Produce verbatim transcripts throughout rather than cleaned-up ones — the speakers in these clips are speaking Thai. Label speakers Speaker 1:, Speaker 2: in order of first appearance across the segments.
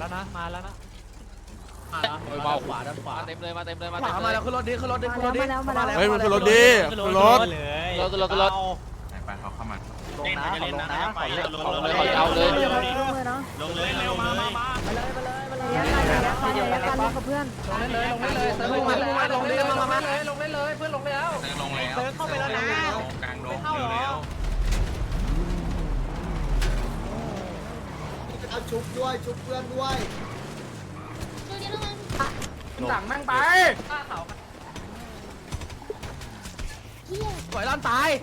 Speaker 1: แล้วนะมาแล้วนะมา
Speaker 2: ขวาด้านขวา
Speaker 3: เต็มเลยมาเต็มเลยมา
Speaker 2: ขวามาแล้วขึ้นรถดิขึ้นรถดิขึ้นรถดิ
Speaker 4: มาแล้วมาแล้ว
Speaker 5: เฮ้ยมันขึ้นรถดิขึ้นรถ
Speaker 1: เลย
Speaker 3: รถรถรถ
Speaker 6: ไปเขาเข้ามา
Speaker 2: ลงนะลงนะไปเลยลง
Speaker 3: เอา
Speaker 2: เล
Speaker 3: เลย ยเอาเลย
Speaker 4: ลงเลยเนาะ
Speaker 2: ลงเลยเร็วมามามา
Speaker 4: ไปเลยไปเลยไปเลยไปเลยไปเลยกันกับเพื่อน
Speaker 2: ลงเลยลงเลยเติมลงมาลงเลยมามาเลยลงเลยเลยเพื่อนลงแล้ว
Speaker 6: เติมลงแล้ว
Speaker 1: เดินเข้าไปแล้วนะ
Speaker 6: กลางลงเร็ว
Speaker 7: เอาชุบด้วยชุบเพื่อนด้วย
Speaker 2: สั่งแม่งไปปล่อยล้านตาย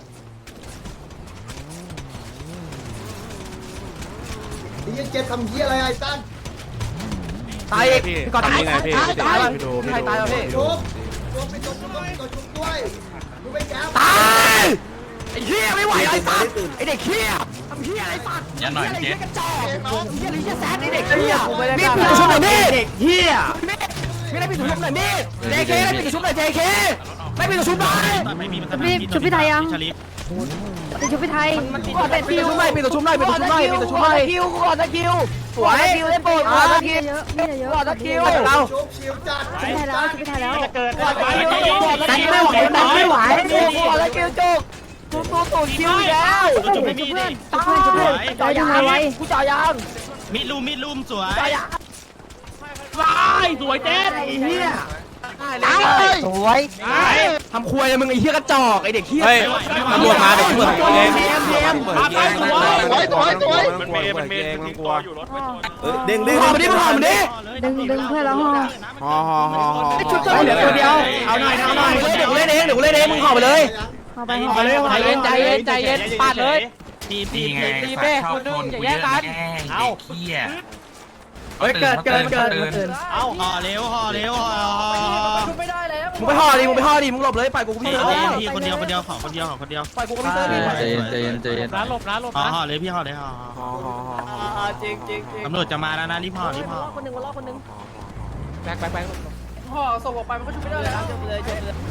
Speaker 7: ไอ้ยังเจ็บทำเหี้ยอะไรไอ้ตั้น
Speaker 2: ตายอีก
Speaker 5: พี่
Speaker 2: ก่อนตาย
Speaker 5: ทำยังไงพี่
Speaker 2: ตาย
Speaker 5: พี่ดูพี่
Speaker 2: ใคร
Speaker 5: ดู
Speaker 2: ตายแล้วพี่
Speaker 7: ชุบชุบไปชุบชุบตัวชุบด้วยดูไปแก้ว
Speaker 2: ตายไอ้เหี้ยไม่ไหวไอ้สัตว์ไอ้เด็กเหี้ยทำเหี้ยอะไรสัตว์
Speaker 6: อย่าหน่อย
Speaker 2: ไอ้
Speaker 6: เจ๊
Speaker 2: เหี้ยกระจอกเหี้ยหรือเหี้ยแซดไอ้เด็กเหี้ยมีดปิดกระชุบหน่อยมีดเด็กเหี้ยมีดปิดกระชุบหน่อยมีด เจ เค ได้ปิดกระชุบหน่อย เจ เค ได้ปิดกระชุบหน่อย
Speaker 4: พี่ชุบพี่ไทยยังพี่ชุบพี่ไทย
Speaker 2: ก่อนตะคิวไม่ปิดกระชุบหน่อยปิดกระชุบหน่อยปิดกระชุบหน่อยคิวก่อนตะคิวสวยคิวได้โปรดก่อนตะคิว
Speaker 4: เยอะมีเยอะ
Speaker 2: ก่อนตะคิวเรา
Speaker 7: ชุบชิวจัด
Speaker 4: ชุบพี่ไทยแล้วชุบพี่ไทยแล้ว
Speaker 1: จะเกิด
Speaker 2: ก่อนตะคิวก่อนตะคิวไม่ไหวไม่ไหวก่อนตะคิวจุกจุกจุกจุกคิวแล้ว
Speaker 4: ชุบเพื่อนชุบเพื่อนชุบเพื่อนชุบเพื่อนจ่ายยังไงไว้
Speaker 2: กูจ่ายยัง
Speaker 8: มิดลุมมิดลุมสวย
Speaker 2: จ่ายยัง
Speaker 1: ตายสวยเจ๊
Speaker 2: ไอ้เหี้ยสวยทำครัวเลยมึงไอ้เหี้ยกระจอกไอ้เด็กเหี้ย
Speaker 5: เฮ้ยตำรวจมาเด็กตำรวจเอง
Speaker 2: เทียมเทียม
Speaker 5: เปิดเกม
Speaker 7: สวยสวยสวย
Speaker 5: มันเมย์มันเมย์มันกลัว
Speaker 2: เด้งเด้งหอมดิหอมดิ
Speaker 4: ดึงดึงเพื่อนแล้วห่อ
Speaker 5: ฮอฮอฮอฮอ
Speaker 2: ชุดเหลือตัวเดียวเอาหน่อยเอาหน่อยเดี๋ยวกูเล่นเองเดี๋ยวกูเล่นเองมึงหอมไปเลย
Speaker 4: ห่อไปห่อไปเลยห่อ
Speaker 3: ใจ
Speaker 4: ไป
Speaker 3: เย็นใจเย็นใจเย็นปาดเลย
Speaker 8: ทีมที
Speaker 6: นี่
Speaker 8: ม
Speaker 6: ไง
Speaker 3: ตี
Speaker 6: ฝา
Speaker 3: เป้
Speaker 6: กชอบ
Speaker 3: คุณนึ
Speaker 6: ค
Speaker 3: ง
Speaker 6: น
Speaker 3: อย่า
Speaker 6: กู
Speaker 3: แย่
Speaker 6: เย
Speaker 3: ง
Speaker 6: อะ
Speaker 3: กัน
Speaker 6: แย่งเด็กเหี้ย
Speaker 2: เฮ้ยเกิดเกิดเกิด
Speaker 8: เอาห่อเร็วห่อเร็วห่อห่อ
Speaker 2: มึงไปห่อดิมึงไปห่อดิมึงหลบเลยปล่อยกูกู
Speaker 8: พี่
Speaker 2: พี่เซิร์ฟ
Speaker 8: พี่คนเดียวคนเดียวของคนเดียวของคนเดียว
Speaker 2: ปล่อยกูกูพี่เซิร์ฟดิ
Speaker 3: ใจเย็นใจเย็นใจเย็นนะหลบนะหลบ
Speaker 8: ห่อ
Speaker 3: นะ
Speaker 8: ห่อเลยพี่ห่อเลยห่อ
Speaker 5: ฮอฮอฮอ
Speaker 2: จริงจริงจริง
Speaker 8: ตำรวจจะมาแล้วนะรีบห่อรีบห่อ
Speaker 2: คนหนึ่งคนรอคนหนึ่ง
Speaker 3: แบกแบกแบก
Speaker 2: ห่อส่งออกไปมันก็ชุบไม่ได้แล้วจบเลยจบเลย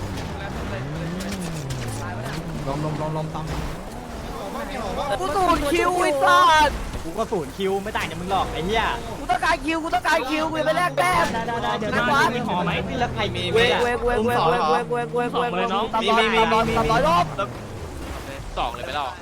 Speaker 2: กูสูดคิวไอ้สัส
Speaker 1: กูก็ศูนย์คิวไม่ต่างจากมึงหรอกไอ้เหี้ย
Speaker 2: กูต้องการคิวกูต้องการคิวกูไปแลกแต้ม
Speaker 4: ได้ได้ได้เดี๋ยว
Speaker 2: ไม่
Speaker 4: นะ
Speaker 2: ว่า
Speaker 1: มีหอไหมแล้วใครมี
Speaker 2: เวกเวกเวกเวกเวกเวกเวกเวกเวกเวกตามร้อยตามร้อยตามร้อยรอบ
Speaker 3: สองเลยไปแล้ว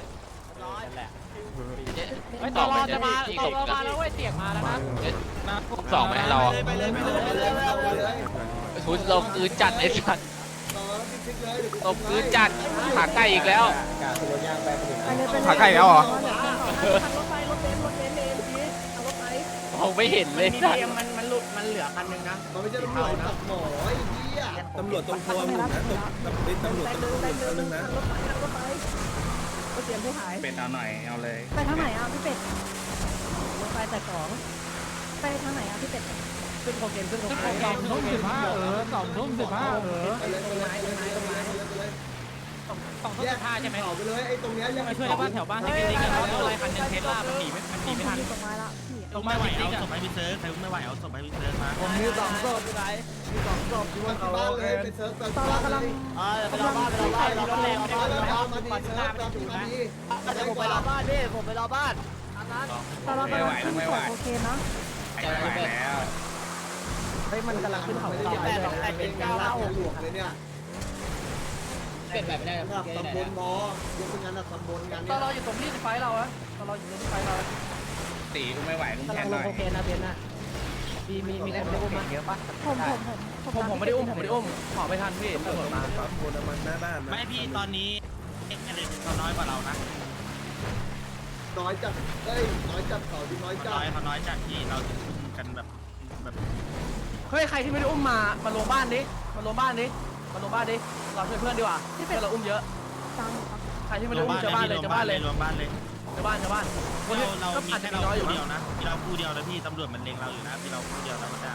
Speaker 1: ไม่
Speaker 3: ส
Speaker 1: ต่
Speaker 3: อ
Speaker 1: อง
Speaker 3: ไป
Speaker 1: จะมา
Speaker 3: ที่
Speaker 1: ต่
Speaker 3: ต
Speaker 1: อก มาแล้วเว้ยเตียงมาแล้วนะ
Speaker 3: สองไหมเรา
Speaker 2: ไปเลยไปเลยไปเลยไปเลย
Speaker 3: ทุนลมคืนจัดไอ้สัตว์
Speaker 7: ต่อแล้วพิชิตเลย
Speaker 3: ลมคืนจัดขาไก่อีกแล้ว
Speaker 4: ไปเลยไปเลย
Speaker 5: ขาไก่แล้วเหรอ
Speaker 4: รถไฟรถเบนซ์รถเบนซ์เอ็มพีรถไฟ
Speaker 3: มองไม่เห็นเลย
Speaker 1: มี
Speaker 3: สัต
Speaker 1: เตี
Speaker 3: ว์
Speaker 1: ยงมันมันหลุดมันเหลือคันนึงนะ
Speaker 7: มันไม่ใช่ตำรวจตัดหมอไอ้เหี้ย
Speaker 4: ตำรวจตรงทัวร์มึงนะตำรวจตำรวจตำรวจนึงนะรถไฟรถไฟรถเสียงผู้หาย
Speaker 6: เป็นเอาหน่อยเอาเลย
Speaker 4: ไปทางไหนอ่ะพี่เป็ดรถไฟแต่ของไปทางไหนอ่ะพี่เป็ด
Speaker 1: ขึ้นโคเคนขึ้นโคเคนสองทุ่มสิบห้าเออสองทุ่มสิบห้าเออ
Speaker 7: ไปเลยไปเลยไปเลยไปเลยไปเลย
Speaker 1: สองทุ่มสิบห้าใช่ไหม
Speaker 7: ต่อไปเลยไอ้ตรงเนี้ยยัง
Speaker 1: มาช่วยบ้านแถวบ้านที่เป็นลิงกันเขาอะไรคันนึงเทสลามันหนีไม่มันหนีไม่ทัน
Speaker 4: ตกไม้ละพี่
Speaker 8: ลงไม่ไหวเอาศพให้พี่เซิร์ฟใครไม่ไหวเอาศพให้พี่เซิร์ฟมา
Speaker 2: ผมมีสองศพอยู่ไหนมีสองศพที่
Speaker 7: มา
Speaker 2: ว่า
Speaker 7: ที่
Speaker 2: เขา
Speaker 7: บ้านเลยไปเซิร์ฟตอน
Speaker 4: ตอนเรากำลัง
Speaker 2: อ่าไปรอบ้านไปรอบ้านไปรอบ้านไปรอบ้าน
Speaker 7: แล้วมาที่เซิร์ฟตอนที่มาที่
Speaker 2: เดี๋ยวผมไปรอบ้านพี่ผมไปรอบ้านอันนั้น
Speaker 4: ตอนเรากำลังขึ้นขวดโอเคนะ
Speaker 6: ไม่ไหวแล้ว
Speaker 2: เฮ้ยมันกำลังขึ้นเขาต่อแปดสองแปดเป็นเก้า
Speaker 7: เล่า
Speaker 2: เล่า
Speaker 7: หลวงเลยเนี่ย
Speaker 2: เป็นแบบไม่ได้
Speaker 7: สำหรับตำบลมอยกเป็นงานตำบลงาน
Speaker 2: ต
Speaker 7: เนี่
Speaker 2: อย นเราอยู่ตรงที่ไฟเราอะตอนเราอยู่ตรงที่ไฟเรา
Speaker 6: ตีกูไม่ไหวกู
Speaker 2: กำ
Speaker 6: แท
Speaker 2: ลัง
Speaker 6: น
Speaker 2: ล
Speaker 6: หน่
Speaker 2: ง
Speaker 6: อย
Speaker 2: โอเคนะเบนน่ะมีมีมีคนได้อุ้มมาเยอะปะ
Speaker 4: ผมผมผม
Speaker 2: ผมผมไม่ได้อุ้มผมไม่ได้อุ้มขอไม่ทันพี่ตำรวจมา
Speaker 8: ไม่พี่ตอนนี้เอ็กซ์เลยเขาน้อยกว่าเรานะ
Speaker 7: น้อยจัดเอ้ยน้อยจัดเขาดีน้อย
Speaker 8: เขา
Speaker 7: จั
Speaker 8: น้
Speaker 7: ด
Speaker 8: อยเขาน้อยจากที่เราจะอุ้มกันแบบแบบ
Speaker 2: เฮ้ยใครที่ไม่ได้อุ้มมามาลงบ้านดิมาลงบ้านดิมาลงบ้านดิเราช่วยเพื่อนดีกว่าที่เป็นเราอุ้มเยอะ
Speaker 4: ตามครับ
Speaker 2: ใครที่ไม่ได้อุ้มเจอบ้านเลยเจอบ้านเลย
Speaker 8: รวมบ้านเลย
Speaker 2: เจอบ้านเจอบ้านคน
Speaker 8: เรา
Speaker 2: ที่
Speaker 8: เรา
Speaker 2: ก็
Speaker 8: มี
Speaker 2: อาจจะ
Speaker 8: แค่
Speaker 2: มี
Speaker 8: เรา
Speaker 2: น้อยอยู่
Speaker 8: คู่
Speaker 2: นะ
Speaker 8: เดียวนะมีเราคู่เดียวนะพี่ตำรวจมันเล็งเราอยู่นะพี่เราคู่เดียวธรรมดา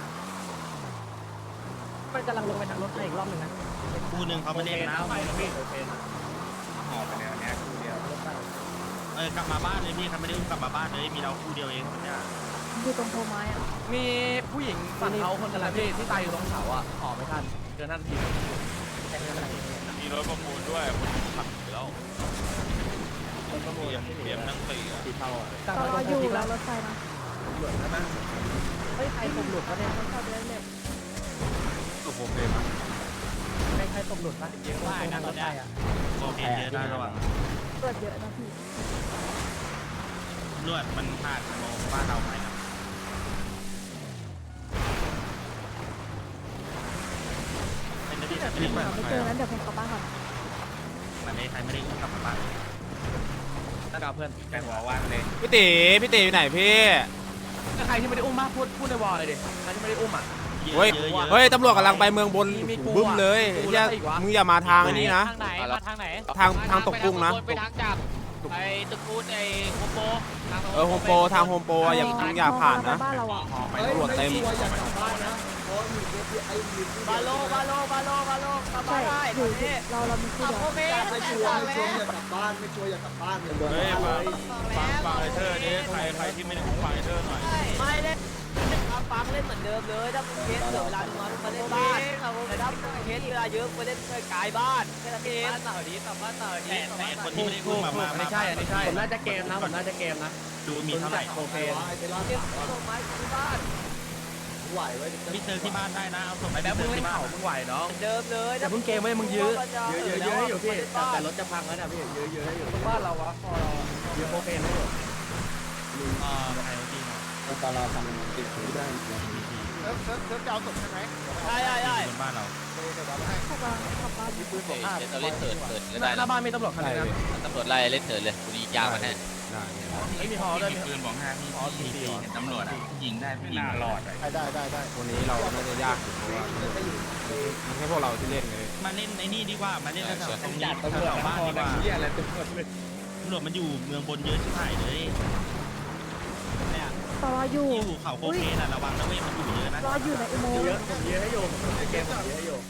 Speaker 2: มันกำลังลงไปทางรถไฟอีกรอบหนึ่งนะ
Speaker 8: คู่หนึ่งเขาไม่เล่นนะ
Speaker 1: ไปนะพี่
Speaker 6: ออกไปแล้วเนี้ยกูเดียว
Speaker 8: เออกลับมาบ้านเลยพี่เขาไม่ได้อุ้มกลับมาบ้านเลยมีเราคู่เดียวเองเนี่ย
Speaker 4: อยู่ตรงโพไม้อ่ะ
Speaker 2: มีผู้หญิงฝั่งเขาคนนึงพี่ที่ตายอยู่ตรงเขาอ่ะขอไม่ทันเจอหน้าที
Speaker 3: มีรถประมูลด้วยคนขับแล้วเตรียมเตรียมนั่งตีอ่ะ
Speaker 4: ตอนเราอยู่แล้วรถไฟนะตำรวจนะนะ
Speaker 2: เฮ้ยใครตกหลุดวะเนี่ยไม่เข้าใจเลย
Speaker 5: ตัวผมเลยมั้ง
Speaker 2: ใครใครตกหลุดปะเยอะมากนะตอนนี้
Speaker 8: โอเคเยอะนะระวัง
Speaker 2: เลือดเยอะนะพี่
Speaker 8: ลวดมันผ่านโมบ้านเราไปนะเป็นที่จะรีบมา
Speaker 2: ไม่เจอนั้นเดี๋ยวผมกลับบ้านก่อน
Speaker 8: มันเลยใครไม่ได้กลับมาบ้าน
Speaker 2: นักกาเพื่อน
Speaker 6: แต่หัวว่างเลย
Speaker 5: พี่ตีพี่ตีอยู่ไหนพี่
Speaker 2: ใครที่ไม่ได้อุ้มมาพูดพูดในวอลเลยดิใครที่ไม่ได้อุ้มอ่ะ
Speaker 5: เฮ้ยเฮ้ยตำรวจกำลังไปเมืองบนบึ้มเลยเฮียมึงอย่ามาทางอันนี้นะ
Speaker 1: ทางไหนมาทางไหน
Speaker 5: ทางทางตกกุ้งนะ
Speaker 1: ไปทางจับไปตึกกูดไอ้โฮมโป
Speaker 5: เออโฮมโปรทางโฮมโปรอะอย่ามึงอย่าผ่านนะ
Speaker 2: บ้านเราอ่ะ
Speaker 5: ไปตำรวจเต็ม
Speaker 7: ไม่ชัวร์อยากกลับบ้านนะเพราะมีเอฟไอมี
Speaker 2: บาโลบาโลบาโลบาโลกลับบ้านได้อยู่เราเรามีคู่เดียว
Speaker 7: ไม่ชัวร์ไม่ชัวร์อยากกลับบ้านไม่ชัวร์อยากกลับบ้านเนี่ย
Speaker 3: เฮ้ยฟังฟังฟังไอเธอร์นี่ใครใครที่ไม่ได้ฟังไอเธอร์หน่อย
Speaker 2: ไม่เล่นฟังเล่นเหมือนเดิมเลยถ้ามึงเคสเวลามึงมาเล่นบ้านแต่ถ้ามึงเคสเวลาเยอะไปเล่นไกลบ้านแค่นั้นเองบ้านเต่าดีกลับบ้านเต่าดี
Speaker 8: แต่คนที่ไม่ได้พูดมามา
Speaker 2: ไม่ใช่อันนี้ใช่ผมน่าจะเกมนะผมน่าจะเกมนะ
Speaker 8: ดูมีเท่าไหร่
Speaker 7: โอเคไอ้เทล่า
Speaker 2: เก็บส่งไม้ที่บ้าน
Speaker 7: ไหวไว้
Speaker 8: มีเจอที่บ้านได้นะเอาส่งไป
Speaker 2: แบบมึง
Speaker 8: ที่
Speaker 2: เล่น
Speaker 8: บ้าน
Speaker 2: เข่ามึงไหวเนาะเดิมเลยแต่มึงเกมไว้มึงยื้อยื้อยื้อยื้อให้อยู่พี่แต่รถจะพังแล้วนะพี่ยื้อยื้อให้อยู่บ้านเราวะพอเรายื้อโอเคนะ
Speaker 8: อ่าใครจริง
Speaker 7: ตอนเราทำติดได้
Speaker 3: เซิร์ฟเซิร์ฟเซิร์ฟจะเอาศพใช่ไหม
Speaker 2: ใช่ใช่ใช่
Speaker 8: บนบ้านเรา
Speaker 2: ขับบ้านขับบ้าน
Speaker 1: มีปืนผมเราเล่นเถิดเถิดก็
Speaker 2: ห
Speaker 1: ได้
Speaker 2: น้าบ้านมีตำรวจคันนึงนะ
Speaker 1: ตำรวจไล่เล่นเถิดเลยกูยิงยาวมาแน่
Speaker 5: ได้
Speaker 2: ไม่มีฮอด้วย
Speaker 6: ปืนบอกห้าพี่พี่พี่เห็นตำรวจอ่ะยิงได้พี่ยิงหลอด
Speaker 1: ได้ได้ได้
Speaker 5: วันนี้เราน่าจะยากอยู่เพราะว่ามันแค่พวกเราที่เล่นไง
Speaker 8: มาเล่นในนี่ดีกว่ามาเล่นแถวตรงนี้แถวบ้านดีกว่า
Speaker 6: เหี้ยอะไรตำรวจเลย
Speaker 8: ตำรวจมันอยู่เมืองบนเยอะชิบหายเลยเนี่ย
Speaker 2: รออยู่
Speaker 8: ที่อยู่เขาโคเคนอ่ะระวังนะเว้ยมันอยู่เยอะนะ
Speaker 2: รออยู่ในอุโมงค์
Speaker 7: เยอะผมเยอะให้โยมเกมผมเยอะให้โยม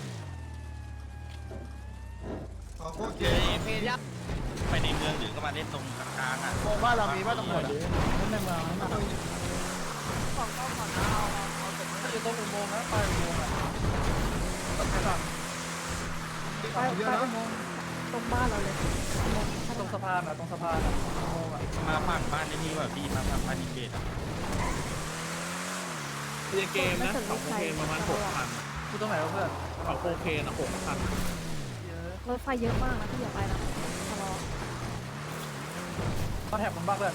Speaker 8: เยอะไปในเมืองหรือก็มาเล่นตรงกลางๆอ่ะ
Speaker 1: บ้านเรามีบ้านตำรวจ
Speaker 2: ในเมืองนั่นน่ะของต้องของเอาเอาอยู่ตรงอุโมงค์นะไปอุโมงค์อ่ะไปไปอุโมงค์ตรงบ้านเราเลยตรงสะพานอ่ะตรงสะพานอ่ะอุโมงค์อ่ะ
Speaker 8: มาฝั่งบ้านในนี่ว่าพี่มาฝั่งบ้านอินเบดอ่ะ
Speaker 2: เกมนะของโคเคนประมาณหกพันคือตรงไหนวะเพื่อนของโคเคนอ่ะหกพันรถไฟเยอะมากนะพี่อย่าไปนะทะเลาะมาแถบผมบ้างเพื่อน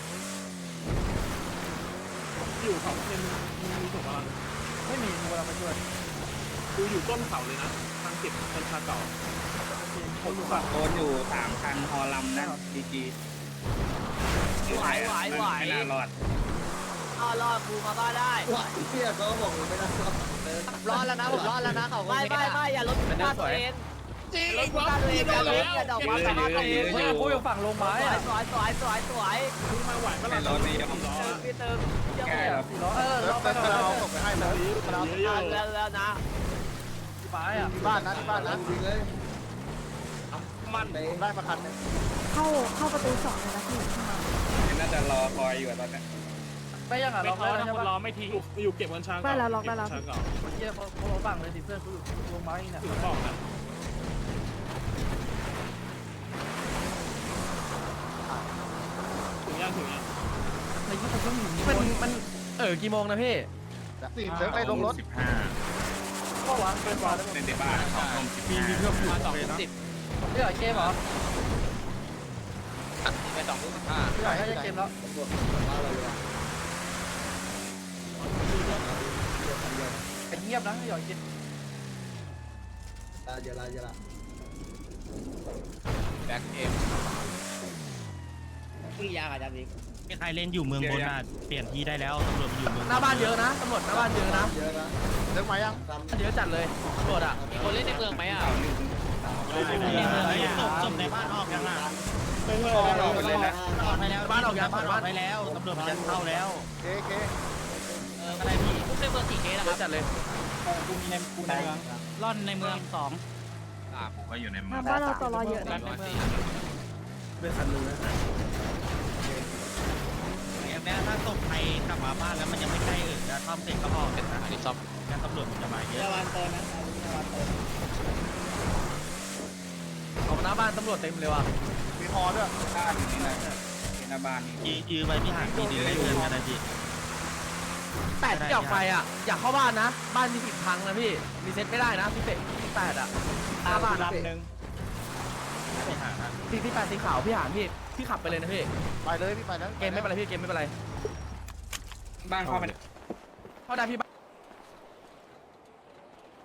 Speaker 2: อยู่เขาเป็นมีถูกป่ะไม่มีเวลาไปช่วยดูอยู่ต้นเขาเลยนะทางเก็บเป็นชาเก่าผมอยู่ฝั่ง
Speaker 6: โดนอยู่สามคันฮอลำนะดีจี
Speaker 2: ไหวไหวไหว
Speaker 6: ไม่น่ารอด
Speaker 2: อ๋อรอดกูมาบ้านได้
Speaker 7: ไหวเที่ยเขาบอกไม่ได้
Speaker 2: รอดแล้วนะผมรอดแล้วนะเขาไม่ไม่ไม่อย่าลดคุณค่าตัวเองจริงลดคุณค่าตัวเองอย่าลดอย่าดอกความสามารถตัวเองกูอยู่ฝั่งลงไม้สวยสวยสวยสวยสวย
Speaker 6: ไม่รอดนี่ยอม
Speaker 2: พี่เติม
Speaker 6: แก้แล้ว
Speaker 2: เออเราไปเรา
Speaker 1: ส่งไปให้แล้ว
Speaker 2: แล้วแล้วนะ
Speaker 1: บ้านนะบ้านนะ
Speaker 7: จริงเลย
Speaker 6: มัน
Speaker 1: ได้ประคันนึง
Speaker 2: เข้าเข้าประตูสองเลยนะพี่
Speaker 6: น่าจะรอคอยอยู่ตอนนี้
Speaker 2: ไม่ยังอ่ะ
Speaker 8: ไม่
Speaker 2: ล็อก
Speaker 8: ท้อ
Speaker 2: ได้
Speaker 8: นะ
Speaker 2: ใช่
Speaker 8: คน
Speaker 2: ปะ
Speaker 8: รอไม่ทิ้ง
Speaker 4: อยู่เก็บวันช้าง
Speaker 2: ได้แล้วล็อกได้แล้ว
Speaker 4: ช้างเก่า
Speaker 2: เมื่อกี้เขาเขาฝั่งเลยสิเพื่อนเขาอยู่ลงไม้เนี่ย
Speaker 4: ถึงบอกนะถึงยังถึงยัง
Speaker 2: ในยี่สิบชั่วโมงมันมันเออกี่โมงนะพี่
Speaker 1: สี่เซิร์ฟไปลงรถ
Speaker 6: สิบห้า
Speaker 2: ก็วางเป็นวางได้หมด
Speaker 6: เล่นในบ้านของลมสิบห้า
Speaker 1: มาสองสิบ
Speaker 2: พี่หอยเกมเหรอ
Speaker 1: ไปสองลูกสิบห้า
Speaker 2: พี่หอยน่าจะเกมแล้ว เงียบนะหยอดกิน
Speaker 7: เยอะละเยอะละ
Speaker 1: แบ็คเอ็ม
Speaker 2: คือยาอาจารย์บิ๊ก
Speaker 8: มีใครเล่นอยู่เมืองบนอ่ะเปลี่ยนที่ได้แล้วตำรวจอยู่เมือง
Speaker 2: หน้าบ้านเยอะนะตำรวจหน้าบ้านเยอะนะ
Speaker 7: เยอะนะ
Speaker 1: เลิกมายัง
Speaker 2: เยอะจัดเลยตำรวจอ่ะ
Speaker 1: มีคนเล่นในเมืองไหมอ่ะ
Speaker 8: ในเมืองศพศพในบ้านออกยังอ่ะ
Speaker 7: ไม่เมื่อเราไปเล่นนะ
Speaker 8: ออกไปแล้วบ้านออกยังบ้านออกไปแล้วตำรวจมันจะเข้าแล้ว
Speaker 1: เคเค
Speaker 8: เอออะไรพี่
Speaker 1: ทุกในเมืองสี่เคนะ
Speaker 2: เย
Speaker 1: ครั
Speaker 2: อะ
Speaker 1: บ
Speaker 2: จัดเลย
Speaker 8: กูมีในกูในเมืองร่อนในเมืองสอง
Speaker 6: ผมก็อยู่ใน
Speaker 2: ห
Speaker 6: เมือ
Speaker 2: น้าง บ้านเราตลอเยอะ
Speaker 1: ร้
Speaker 2: นะ
Speaker 1: อยสี่
Speaker 4: เป็นคันนึงนะ
Speaker 8: อย่างนี้ถ้าศพใครกลับมาบ้านแล้วมันยังไม่ใกล้เออจะซ่อมเสร็จก็พอเป็น
Speaker 1: อันนี้ซ่อม
Speaker 8: งั้นตำรวจมันจะมาเยอะ
Speaker 2: ของหน้าบ้านตำรวจเต็มเลยว่ะ
Speaker 1: มีฮอด้วย
Speaker 6: บ้านอยู่นี่นะเป็นหน้าบ้านนี่
Speaker 8: ยืยื้อไว้ที่ห่างทีนึงได้เงินกันนะจี
Speaker 2: เแปดที่ออกไปอ่ะอยากเข้าบ้านนะบ้านมีสิบพังนะพี่รีเซ็ตไม่ได้นะพี่เป็ดพี่แปดอ่ะหน้าบ้าน
Speaker 8: ลำหนึ่งไปหา
Speaker 2: พี่พี่แปดสีขาวพี่หานพี่พี่ขับไปเลยนะพี่
Speaker 8: ไปเลยพี่ไปแล้ว
Speaker 2: เกมไม่เป็นไรพี่เกมไม่เป็นไร
Speaker 6: บ้านเข้าไป
Speaker 2: เข้าได้พี่